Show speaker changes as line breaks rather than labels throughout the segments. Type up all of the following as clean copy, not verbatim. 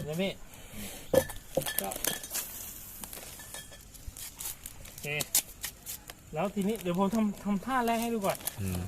นะพี่ก็โอเคแล้วทีนี้เดี๋ยวผมทำท่าแรกให้ดูก่อน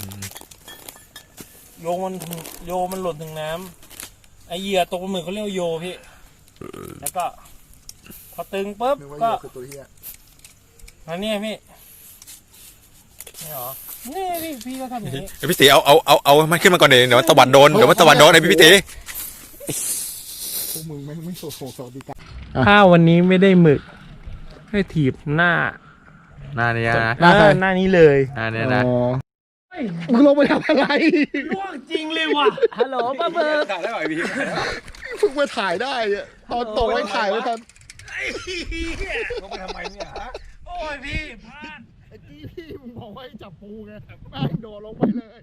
โยมันหล่นถึงน้ำไอเหยื่อตกปลาหมึกเขาเรียกว่าโยพี่แล้วก็พอตึงปุ๊บก็อันนี้พี่นี่หรอนี่พี่ก็ทำอย่างนี้
พี่ตีเอามันขึ้นมาก่อนเดี๋ยวมันตะวัดโดนไอ้พี่ตี
พวกมึงไม่โสดดีกัน
ถ้าวันนี้ไม่ได้หมึกให้ถีบหน้า
นี้นะ
หน้านี้เลย
หน้านี้นะ
มึงลงไปทำอะไร
ล่วงจริงเลยว่ะฮัลโหลป้าเบิร์ด
ถ่ายได้ไหมพี่
เพิ่งมาถ่ายได้ตอนตกไม่ถ่ายไม่ทัน
ลงไปทำไมเนี่ยฮะ
โอ้ยพี่พลาด
ไอ้พี่มึงบอกว่าให้จับปูไงแม่งโดดลงไปเลย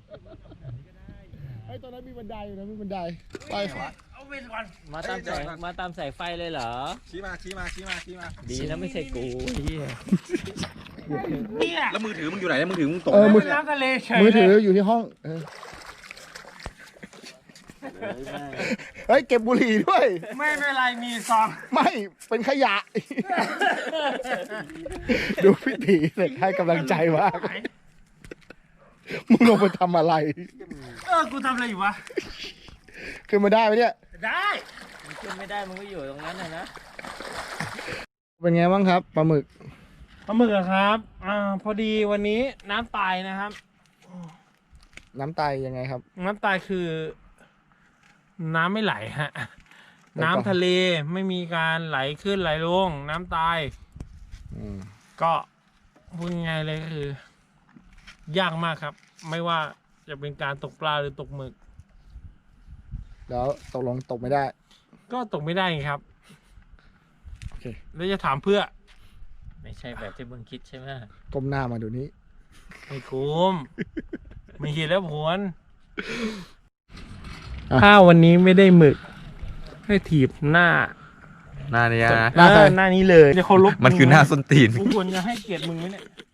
ไอ้ตอนนั้นมีบันไดอยู่นะมีบันไดไป
เอาไปก่อน
มาตามสายไฟเลยเหรอ
ชี้มา
ดีนะไม่ใช่กู
เนี่ย
แล้วมือถือมึงอยู่ไหนมือถือมึงตก
มือ
น้ำทะเลเฉย
มือถืออยู่ที่ห้องเฮ้ยเก็บบุหรี่ด้วย
ไม่เป็นไรมีซอง
ไม่เป็นขยะดูพี่ตีเสร็จให้กำลังใจมากมึงลงไปทำอะไร
กูทำอะไรอยู่วะ
ขึ้นมาได้ไหมเนี่ย
ได้
มันขึ้นไม่ได้มันก็อยู่ตรงนั้นนะ
เป็นไงบ้างครับปลาหมึก
ครับพอดีวันนี้น้ำตายนะครับ
น้ำตายยังไงครับ
น้ำตายคือน้ำไม่ไหลฮะน้ำทะเลไม่มีการไหลขึ้นไหลลงน้ำตายก็พูดง่ายเลยคือยากมากครับไม่ว่าจะเป็นการตกปลาหรือตกหมึก
แล้วตกลงตกไม่ได้
ก็ตกไม่ได้ครับ
โอเค
แล้วจะถามเพื่อ
ไม่ใช่แบบที่มึงคิดใช่ไหม
ก้มหน้ามาดูนี้
ไม่คุ้มไม่คิดแล้วผลถ้าวันนี้ไม่ได้หมึกให้ถีบหน้า
นี้นะ
หน้านี้เลยจะเคารพ
มันคือหน้าส้นตีน
กูควรจะให้เกียรติมึงไหมเนี่ย